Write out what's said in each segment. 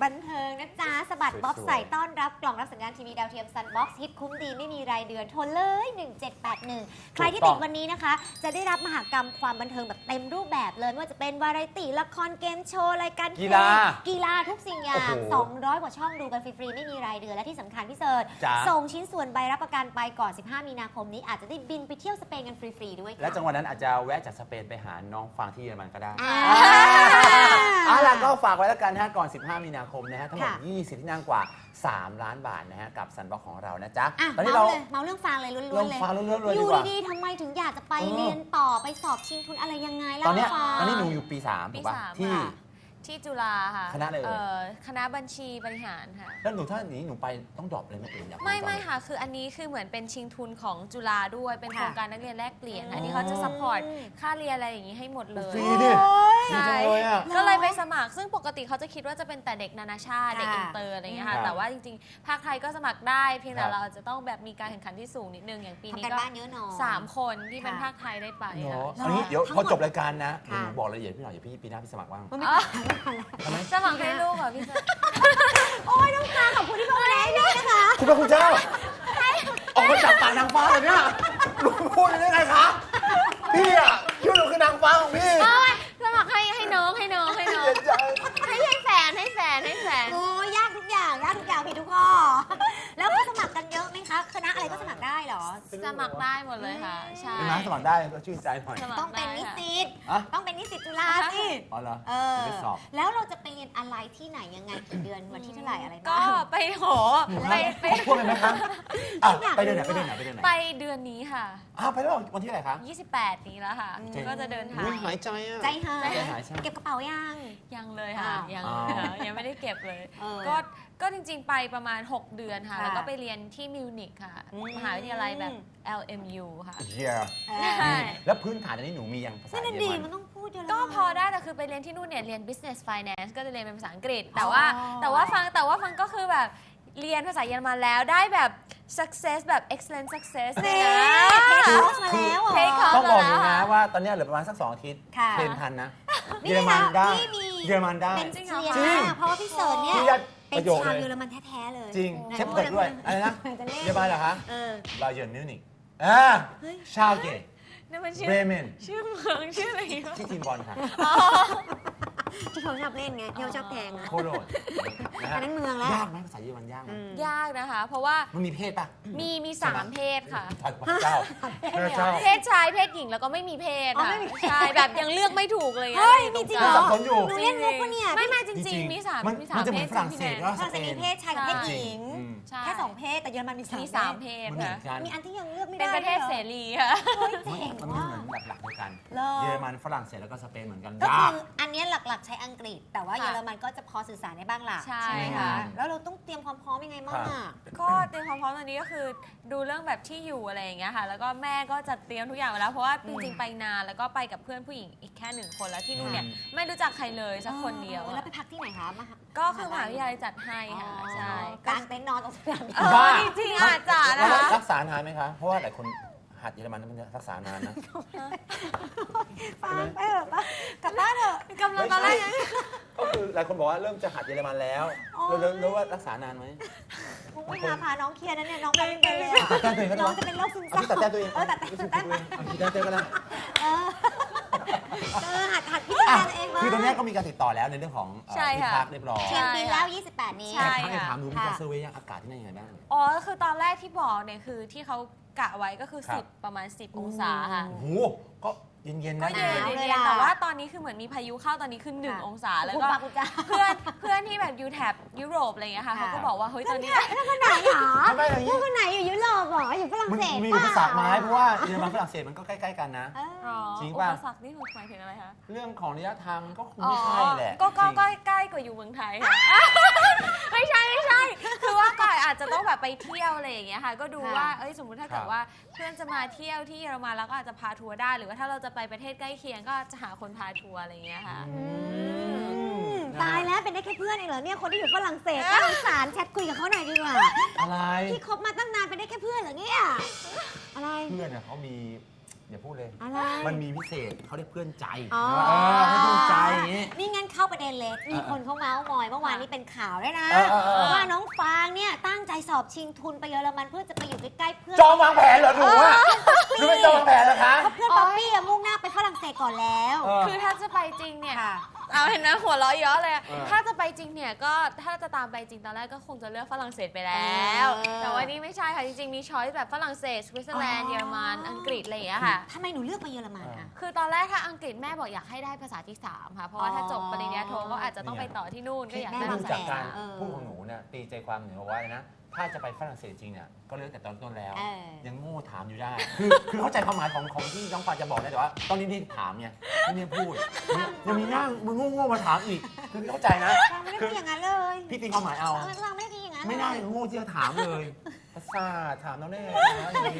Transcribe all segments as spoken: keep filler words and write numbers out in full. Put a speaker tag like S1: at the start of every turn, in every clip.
S1: บันเทิงนะจ๊ะสะบัดบ๊อบใส่ต้อนรับกล่องรับสัญญาณทีวีดาวเทียมซันบ็อกซ์ฮิตคุ้มดีไม่มีรายเดือนโทรเลยหนึ่งเจ็ดแปดหนึ่งใครที่ติดวันนี้นะคะจะได้รับมหกรรมความบันเทิงแบบเต็มรูปแบบเลยไม่ว่าจะเป็นวาไรตี้ละครเกมโชว์รายการกีฬากีฬาทุกสิ่งอย่างสองร้อยกว่าช่องดูกันฟรีๆไม่มีรายเดือนและที่สำคัญพี่เสิร์ชส่งชิ้นส่วนใบรับประกันไปก่อนสิบห้ามีนาคมนี้อาจจะได้บินไปเที่ยวสเปนกันฟรีๆด้วย
S2: และจังหวะนั้นอาจจะแวะจากสเปนไปหาน้องฟังที่เยอรมันก็ได้
S1: เอา
S2: ล่ะก็ฝากไว้แล้วกันนะฮะก่อนสิบห้ามีนาคมนะฮะทั้งหมดยี่สิบที่นั่งกว่าสามล้านบาทนะฮะกับซันบ็อกของเรานะจ๊ะ
S1: ตอนนี้เราเมาเรื่องฟังเลยล้วนๆเลยอยู่ดีๆทำไมถึงอยากจะไปเรียนต่อไปสอบชิงทุนอะไรยังไง
S2: ตอนนี้ตอนนี้หนูอยู่ปีสามถูกป่ะที่
S3: ที่จุฬาค่ะ
S2: คณะอะไรเอ่ย
S3: คณะบัญชีบริหารค่ะ
S2: แล้วหนูถ้าอย่างนี้หนูไปต้องดรอปเลยไหมเอง
S3: ไม่ไม่ค่ะคืออันนี้คือเหมือนเป็นชิงทุนของจุฬาด้วยเป็นโครงการนักเรียนแลกเปลี่ยนค่ะที่เขาจะซัพพอร์ตค่าเรียนอะไรอย่างนี้ให้หมดเลย
S2: ฟรีดิ
S3: ใช่ก็เลยไปสมัครซึ่งปกติเขาจะคิดว่าจะเป็นแต่เด็กนานาชาติเด็กอินเตอร์อะไรอย่างเงี้ยค่ะแต่ว่าจริงๆภาคไทยก็สมัครได้เพียงแต่เราจะต้องแบบมีการแข่งขันที่สูงนิดนึงอย่างปีนี้ก็สามคนที่เป็นภาคไทยได้ไป
S2: อันนี้เดี๋ยวพอจบรายการนะหนูบอกรายละเอียดพี่หน่อยเดี๋ยวพี่ปีหน้าพี่สมัครบ้าง
S3: สมัครให้ลูกเหรอพี่เซอร์
S1: โอ้ยน้องตาขอบคุณที่มาแนะนำนะคะ
S2: คุณพระคุณเจ้าออกมาจากปากนางฟ้าเลยเนี่ยลุงพูดได้ไงคะพี่อ่ะคิดว่าหนูคือนางฟ้าของพี่
S3: สมัครให้ให้น้องให้น้องให้น้องให้ให้แฟนให้แฟนให้แฟน
S1: โอ้ยากทุกอย่างยากทุกอย่างผิดทุกข้อแล้วก็สมัครกันเยอะไหมคะคณะอะไรก็สมัครได้เหรอ
S3: สมัครได้หมดเลยค่ะใช่
S2: นะสมัครได้ก็ชื่นใจหน่อย
S1: ต้องเป็นนิสิตต้องเป็นนิสิตจุฬาสิ
S2: อ๋อเหรอ
S1: เออแล้วเราจะไปเรียนอะไรที่ไหนยังไงกี่เดือนวันที่เท่าไหร่อะไร
S3: ก็ไปโห
S2: ไปไปพูดไปไหมคะไปเดือนไหนไปเดือนไหนไปเดือนไหน
S3: ไปเดือนนี้ค่ะ
S2: อ้าวไปแล้ววันที่ไหนคะ
S3: ยี่สิบแปดนี้แล้วค่ะก็จะเดินทาง
S2: หายใจอ่ะ
S1: ใจหายเก็บกระเป๋ายัง
S3: ยังเลยค่ะยังยังไม่ได้เก็บเลยก็ก็จริงๆไปประมาณหกเดือนค่ะแล้วก็ไปเรียนที่มิวนิกค่ะมหาวิทยาลัยแบบ แอล เอ็ม ยู ค่ะ
S2: ใช่แล้วพื้นฐานอันนี้หนูมียังภาษาเยอรมัน
S1: มันต้องพูดเยอรมัน
S3: ก็พอได้แต่คือไปเรียนที่นู่นเนี่ยเรียน business finance ก็จะเรียนเป็นภาษาอังกฤษแต่ว่าแต่ว่าฟังแต่ว่าฟังก็คือแบบเรียนภาษาเยอรมันแล้วได้แบบ success แบบ excellent success เลยนะ
S1: เทคคอร์สมาแล้ว
S2: ต้องบอกเลยนะว่าตอนนี้เหลือประมาณสักสองอาทิตย์เทรนทันนะเยอรมันได้เยอรมันได้
S1: เป็นจริงเพราะว่าพี่เสิร์ชเนี่ยเป็นชาวเยอรมันแท้ๆเลย
S2: จริงเชฟเปิดด้วยอะไรนะเยอรมันเหรอคะบาเยิร์นมิวนิกอ่าชาวเกตเบรเมน
S3: ชื่อเมืองชื่ออะไร
S2: ที่ทีมบอลค่ะ
S1: ที่เขาชอบเล่นไงที่เขาชอบแทง
S2: โคโรด
S1: อันนั้นเมืองแล้ว
S2: ยากไหมภาษาเยอรมันยากไหม
S3: ยากนะคะเพราะว่า
S2: มันมีเพศปะ
S3: มีมีสามเพศค่ะ
S2: เจ้า
S3: เพศชายเพศหญิงแล้วก็ไม่มีเพศค่ะใช่แบบยังเลือกไม่ถูกเลย
S1: เฮ้ยมีจริงเหรอ
S2: หนู
S1: เล่นมุกปะเนี่ย
S3: ไม่ไม่จริงๆมีสามมีสามเพศ
S2: ฝรั่งเศสก็
S1: ฝรั่งเศสมีเพศชายกับเพศหญิงแค่สองเพศแต่เยอรมันมี
S3: สามเพศค่ะ
S1: มีอันที่ยังเลือกไม่ได้
S3: เป็นประเทศเสรีค่ะ
S2: มันเหมือนแบบหลักเดียวกันเยอรมันฝรั่งเศสแล้วก็สเปนเหมือนกัน
S1: ก็คืออันนี้หลักๆใช้อังกฤษแต่ว่าเยอรมันก็จะพอสื่อสารได้บ้างล่ะ
S3: ใช่ค่ะ
S1: แล้วเราต้องเตรียมความพร้อมยังไงบ้างอ่ะ
S3: ก็เตรียมความพร้อมตอนนี้ก็คือดูเรื่องแบบที่อยู่อะไรอย่างเงี้ยค่ะแล้วก็แม่ก็จัดเตรียมทุกอย่างไว้แล้วเพราะว่าจริงๆไปนานแล้วก็ไปกับเพื่อนผู้หญิงอีกแค่หนึ่งคนแล้วที่นู่นเนี่ยไม่รู้จักใครเลยสักคนเดียว
S1: แล้วไปพักที่ไหนคะ
S3: ก็คือมหาวิทยาลัยจัดให้ค่ะใช่
S1: กางเต็นท์นอนตรงสนาม
S3: บินจริงๆอาจจะนะคะ
S2: รักษานานไหมคะเพราะว่าหลายคนหัดเยอรมันมันรักษานานนะ
S1: ฟังไปเถอะกลับบ้านเถอะ
S3: กำลังตอนแรก
S2: ก็คือหลายคนบอกว่าเริ่มจะหัดเยอรมันแล้วเรารู้ว่ารักษานานไหม
S1: ไม่พาพาน้องเคลียร์นะเนี่ยน้องเป็นเป็นเลยน้องจะเป็นโรคซึมเศร้า
S2: ตัดแต้ตัวเอง
S1: เออตัดแต้ตัดแต้มา
S2: ตัดแต้ตัวก็ได้
S1: เออหัดหัดพิจารณาเอง
S2: คือตอนนี้ก็มีการติดต่อแล้วในเรื่องของที่พักเรียบร้อย
S1: เชียงบินแล้วยี่สิบแปดนี้
S2: ใช่ค่ะถามดูมีการเซอร์เวย์ยังอากาศที่นั่นยังไงบ้าง
S3: อ๋อคือตอนแรกที่บอกเนี่ยคือที่เขากะไว้ก็คือสิบประมาณสิบองศาค่ะ
S2: โอ้โหก็เย็นๆนะ
S3: ก็เย็นๆแต่ว่าตอนนี้คือเหมือนมีพายุเข้าตอนนี้คือหนึ่งองศาแล้วก็เพื่อนเพื่อนที่แบบอยู่แถบยุโรปอะไรอย่างเงี้ยค่ะเขาก็บอกว่าเฮ้ยตอนนี้
S1: แล้วคนไหนหรอแล้วคนไหนอยู่ยุโรปหรออยู่ฝรั่งเศส
S2: มีอุปสรรคไหมเพราะว่าเยอรมันฝรั่งเศสมันก็ใกล้ๆกันนะจริงป่ะ
S3: อุปสรรคนี่หมายถึงอะไรคะ
S2: เรื่องของระยะทางก็คงไม่ใช่แหละ
S3: ก็ก็ใกล้กว่าอยู่เมืองไทยไม่ใช่ไม่ใช่คือว่าก่อนอาจจะต้องแบบไปเที่ยวอะไรอย่างเงี้ยค่ะก็ดูว่าเอ้ยสมมติถ้าเกิดว่าเพื่อนจะมาเที่ยวที่เยอรมันแล้วก็อาจจะพาทัวร์ได้หรือว่าถ้าเราจะไปประเทศใกล้เคียงก็จะหาคนพาทัวร์อะไรอย่างเงี้ยค่ะ
S1: ตายแล้วเป็นได้แค่เพื่อนเองเหรอเนี่ยคนที่อยู่ฝรั่งเศสน่าสงสารแชทคุยกับเขาหน่อยดีกว่า
S2: อะไร
S1: ที่คบมาตั้งนานเป็นได้แค่เพื่อนเหรอเนี่ยอะไร
S2: เพื่อนเนี่ยเขามีอย่าพูดเลย
S1: อะไร
S2: มันมีพิเศษเขาเรียกเพื่อนใจเพื่อนใจ
S1: นี่งั้นเข้าประเด็นเป็นเลยมีคนเขาเมาส์มอยเมื่อวานนี้เป็นข่าวด้วยนะ
S2: เออเออเออ
S1: ว่าน้องฟางเนี่ยตั้งใจสอบชิงทุนไปเยอรมันเพื่อจะไปอยู่ใกล้ๆเพื่อน
S2: จองวางแผนเหรอหนูอะหนูไม่จองวางแผนเหรอคะ
S1: เพราะเพื่อนป๊อปปี้อะมุ่งหน้าไปฝรั่งเศสก่อนแล้ว
S2: เออ
S3: คือถ้าจะไปจริงเนี่ย
S1: ค่ะ
S3: เอาเห็นนะหัวเราะเยอะเลยอะ
S2: เออ
S3: ถ้าจะไปจริงเนี่ยก็ถ้าจะตามไปจริงตอนแรกก็คงจะเลือกฝรั่งเศสไปแล้ว
S1: เออ
S3: แต่ว่านี่ไม่ใช่ค่ะ จริงๆ มีช้อยส์แบบฝรั่งเศสสวิตเซอร์แลนด์
S1: อ๋อ
S3: เยอรมันอังกฤษอะไรอย่างเงี้ยค่ะ
S1: ทำไมหนูเลือกไปเยอรมันอะ
S3: คือตอนแรกถ้าอังกฤษแม่บอกอยากให้ได้ภาษาที่สามค่ะ เพราะว่าถ้าจบปริญญาโทก็อาจจะต้องไปต่อที่นู่นก็อยาก
S1: แม่
S3: ได้
S1: บ
S2: ดู
S1: ง
S3: ภา
S1: แส
S3: ษา
S2: จากการ
S1: เออ
S2: พูดของหนูเนี่ยตีใจความหนูเอาไว้นะ ถ้าจะไปฝรั่งเศสจริงเนี่ยก็เลือกแต่ตอนต้นแล้ว
S1: เออ
S2: ยังโง่ถามอยู่ได้ คือคือเข้าใจความหมายของของที่น้องปานจะบอกนะแต่ว่าตอนนี้ที่ถามเนี่ยไม่เนี่ยพูดยังมีหน้ามึงโง่ๆมาถามอีกคือเข้าใจนะ
S1: เราไม่ได้พูดอย่างนั้นเลย
S2: พี่ตีความหมายเอา
S1: เราไม่ได้พูดอย่างนั้น
S2: ไม่ได้โง่ที่จะถามเลยภาษาถามน้องแน่นะอย่างนี้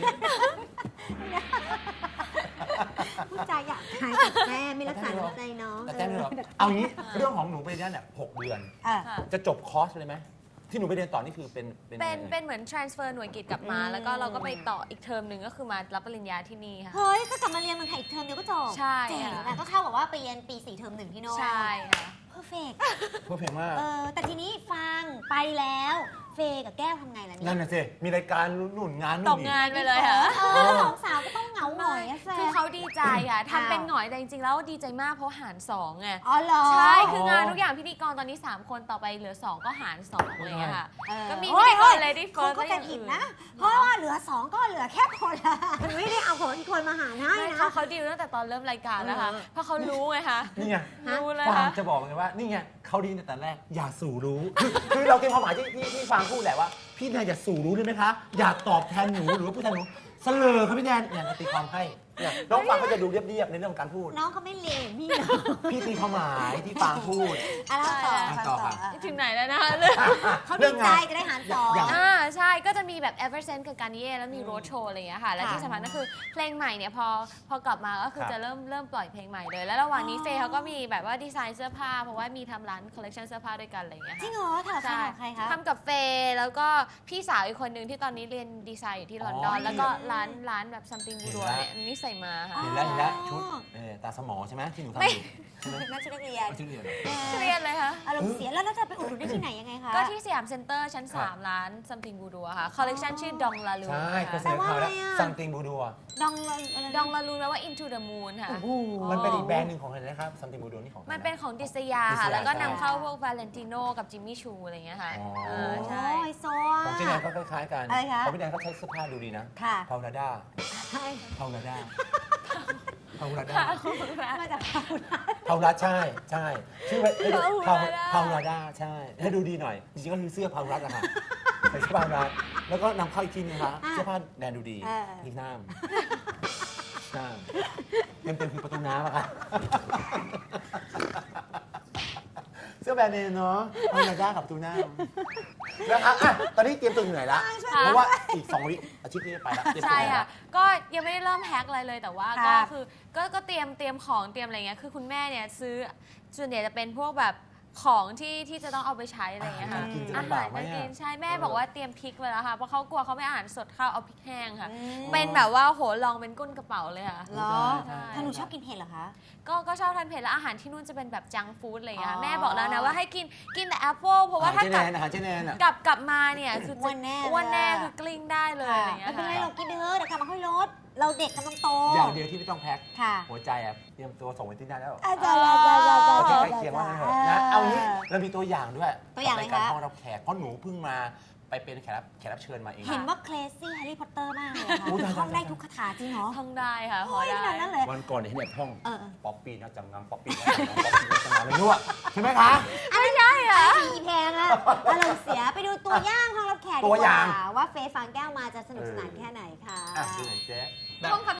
S1: พูดจาหยาบคายกับแม่ไม่รักษาน้ำใจน้อง
S2: แต่แจ้งเลยเหรอเอางี้เรื่องของหนูไปเรียนเนี่ยหกเดือน
S1: เออ
S3: ค่ะ
S2: จะจบคอร์สเลยไหมที่หนูไปเรียนต่อนี่คือเป็น
S3: เป็น
S2: ยังไง
S3: เป็นเหมือน transfer หน่วยกิจกลับมา
S1: อืม
S3: แล้วก็เราก็ไปต่ออีกเทอมหนึ่งก็คือมารับปริญญาที่นี่ค่ะ
S1: เฮ้ยก็กลับมาเรียนเมืองไทยอีกเทอมเดียวก็จบ
S3: ใช่
S1: เจ๋ง
S3: ค่ะ
S1: นะก็เข้ากับว่าไปเรียนปีสี่เทอมหนึ่งที่โน่น
S3: ใช่ค่ะ
S1: เพอร์เฟก
S2: เพื่อเพลงมาก
S1: เออแต่ทีนี้ฟังไปแล้วเฟย์กับแก้วทำไงล่ะ
S2: นั่
S1: เนี่ย
S2: นน่ะสิมีรายการหนุนงาน
S3: ต
S2: นู่น
S3: ก
S2: อีก
S3: งานไปเลยค่ะ
S1: เออสองสาวก็ต้องเหงาหน่อยอะแฟ
S3: คือเขาดีใจค่ะ
S1: อ้าว
S3: ทำเป็นหงอยแต่จริงๆแล้วดีใจมากเพราะหารสองไง
S1: อ๋อเหรอ
S3: ใช่ คืองานทุกอย่างพิธีกรตอนนี้ สาม คนต่อไปเหลือ สอง ก็หารสองเลยอะค่ะ
S1: เออ
S3: ก็มี
S1: โอ้
S3: พิ
S1: ย
S3: ธีกร
S1: โอ้ย
S3: Lady
S1: คน
S3: First
S1: เข้าใจ
S3: และอย่าง
S1: ผิด
S3: อื่น
S1: นะ เพราะว่าเหลือสองก็เหลือแค่คนละไม่ได้เอาของอีกคนมาหารให้
S3: ไม่
S1: นะ
S3: เขาเขาดีลตั้งแต่ตอนเริ่มรายการแล้วค่ะ
S1: เออ
S3: เพราะเขารู้ไงคะ
S2: นี่ไง
S3: รู้เลย
S2: ฟาง
S3: ค่ะ
S2: จะบอกเลยว่านี่ไงเขาดีตั้งแต่แรกอย่าสู่รู้คือคือเราเก็บความหมายที่ที่ที่ฟางพูดแหละว่าพี่แนนอย่าสู่รู้ได้ไหมคะอย่าตอบแทนหนูหรือว่าพูดแทนหนูเสลอครับพี่แนนเนี่ยตีความให้เนี่ยน้องฟางก็จะดูเรียบๆในเรื่องของการพูด
S1: น้องเขาไม่เลวพี่นะ
S2: พี่ตีความหมายที่ฟางพูด
S1: อ่ะแล้วต่อ
S2: อ่ะ
S1: ฟัง
S2: ต่
S1: ต่
S2: อ
S1: อ
S2: ค่ะ
S1: อ่ะ
S3: ถึงไหนแล้วนะคะเรื่อง
S1: เขาดีใจจะได้หารสอง
S2: อย่าง
S3: อ่าใช่ก็จะมีแบบ Eversense กับการนิเย่แล้วมีโรดโชว์อะไรอย่างเงี้ยค่ะ และ
S1: ค่ะ
S3: ที่สำคัญก็คือเพลงใหม่เนี่ยพอพอกลับมาก็คือ
S2: ครับ
S3: จะเริ่มเริ่มปล่อยเพลงใหม่เลย แล้วระหว่างนี้
S1: อ๋อ
S3: เฟย์เขาก็มีแบบว่าดีไซน์เสื้อผ้า เพราะว่ามีทำร้านคอลเลคชันเสื้อผ้าด้วยกันอะไรอย่างเงี้ย
S1: จริ
S3: ค่ะ
S1: งเหรอถาม
S3: ใช่
S1: ใครคะ
S3: ทำกับเฟย์แล้วก็พี่สาวอีกคนนึงที่ตอนนี้เรียนดีไซน์อยู่ที่ลอนดอน
S2: อ๋อ
S3: แล้วก็ร้านร้านแบบ something บูดัว
S2: เห็นแล้ว
S3: เนี่ยอันนี้ใส่มาค่ะ
S2: เห็นแล้วเห็นแล้วชุดเออตาสมอใช่ไหมที่หนูทำอยู่ใช่ไหม
S1: นักชุดนักเรียน
S2: เอาชื่อเรียนเหรอ
S3: เครียดเลยค่ะ
S1: อารมณ์เสียแล้วแล้วจะไปอุดหนุนได้ที่ไหนยังไงคะ
S3: ก็ที่สยามเซ็นเตอร์ชั้น
S2: ครับ
S3: สาม ร้าน something บูดัวค่ะคอลเลคชันชื่อดองลาลู
S2: ใช่เคยเสนอข่าวแล้วซัมติงบูดัว
S1: ดองอะไรนะ
S3: ดองลาลูแปลว่า into the moon ค่ะ
S2: มันเป็นอีกแบรนด์หนึ่งของอะไรนะครับซัมติงบูดัวนี่ของใคร
S3: มันเป็นของดิสยา
S2: ดิส
S3: ค่ะ
S2: ยา
S3: แล้วก็
S2: ใช่
S3: นำเข้าพวกวาเลนติโนกับจิมมี่ชูอะไรอย่างเงี้ยค่ะ
S2: อ๋อ
S3: เออใช่
S1: โอ้ยโซ
S2: ของเจแนนก็คล้ายๆกัน
S1: อะไรคะ
S2: ของพี่แนนเขาใช้เสื้อผ้าดูดีนะ
S1: ค่ะ
S2: พาวลาด้า
S1: ใช่
S2: พาวลาด้าพาวลาด้า
S1: มาจากพาหุรัต
S2: พาวลาใช่ใช่ชื่อว่า
S3: พาวลา
S2: พาวลาด้าใช่ให้ดูดีหน่อยจริงๆก็คือเสื้อพาวลัดอะค่ะใส่เสื้อพาวลัดแล้วก็นำเข้าอีกทีนึงนะคะเสื้อผ้าแนนดูดีนี่น้ำน้ำเต็มเต็มๆคือประตูน้ำอะค่ะเสื้อแบรนด์เนมเนาะพาวลาด้ากับประตูน้ำนะคะอ่ะตอนนี้เตรียมตัวอยู่ไหนละเพราะว่าอีกสองวิอาทิตย์นี้จะไปละเตรียมตัว
S3: ใช่
S2: ไหน
S3: ค่ะ
S2: ละ
S3: ก็ยังไม่ได้เริ่มแฮกอะไรเลยแต่ว่า
S1: ครั
S3: ก็
S1: บ
S3: คือก็ก็เตรียมเตรียมของเตรียมอะไรเงี้ยคือคุณแม่เนี่ยซื้อส่วนใหญ่จะเป็นพวกแบบของที่ที่จะต้องเอาไปใช้อะไรเงี้ยค่ะ
S2: อาหารการกินจะ
S3: อา
S2: ลำบา
S3: หาก ร
S2: ไหม
S3: การ
S2: อะ
S3: กินใช่แม่บอกว่าเตรียมพริกไว้แล้วค่ะเพราะเขากลัวเขาไม่อาหารสดเข้าวเอาพริกแห้งค่ะ
S1: อืม
S3: เป็นแบบว่าโหลองเป็นก้นกระเป๋าเลยค่ะ
S1: เหรอ
S3: ใช่
S1: ถ้าหนูชอบกินเผ็ดเหรอคะ
S3: ก็ก็ชอบทานเผ็ดแล้วอาหารที่นู่นจะเป็นแบบจังฟู้ดอะไรอย่างเงี้ย
S1: อ๋อ
S3: แม่บอกแล้วนะว่าให้กินกินแต่แอปเปิลเพราะว่า
S2: อาหาร
S3: ถ้า
S2: เจ
S3: ก
S2: แน
S3: ลับ
S2: นอาหารเจแนนอะ
S3: กลับกลับมาเนี่ยคือจะ
S1: อ้วนแน่
S3: อ้วนแน่
S1: เลยอะ
S3: คือกลิ้งได้เลยอะไรอย่างเงี้
S1: ไม่
S3: ย
S1: เป็นไร
S3: ค่ะ
S1: เรากินไปเถอะเดี๋ยวกลับมาค่อยลด เราเด็กกำลังโต
S2: อย่างเดียวที่ไม่ต้องแพ็ค
S1: ค่ะ
S2: หัวใจอะเตรียมตัวส่งไปที่นั่นแล้ว
S1: อาจารย์อาจารย์อาจารย์
S2: เอา
S1: อา
S2: ที่
S1: จาร
S2: ใกล้
S1: ย์
S2: เคียงว่างั้นเถอะนะเอางี้เรามีตัวอย่างด้วย
S1: ตัวอย่างอะไร
S2: รายการ
S1: คะ
S2: ห้องรับแขกเพราะหนูเพิ่งมาไปเป็นแขกรับแขกรับเชิญมาเอง
S1: เห็นว่าเคลซี่แฮร์รี่พอตเตอร์มากเลยค่ะ
S2: โอ้ยตายๆๆ
S1: ท่องได้ทุกคาถาจริงเหรอ
S3: ท่องได้ค่ะพอ
S1: โอ้ยข
S3: ได้
S1: นาดนั้นเลย
S2: วันก่อนเนี่ยเห็นแบบห้อง
S1: เออเออ
S2: ป๊อปปี้นะจำงำป๊อปปี้นะจำงำป๊อปปี้นะจำงำอะไรนู่นใช่ไหมคะ
S3: ไม่ใช่เหรอ
S1: อีแพงอะอารมณ์เสียไปดูตัวอย่างห้องรับแขกดี
S2: ตัว
S1: ก
S2: อย่า
S1: ว่าง ว่าเฟย์ฟางแก้วมาจะสนุกสนานแค่ไหนค่ะ
S2: อ่ะดูหน่อยเจ๊
S3: ท่องคำ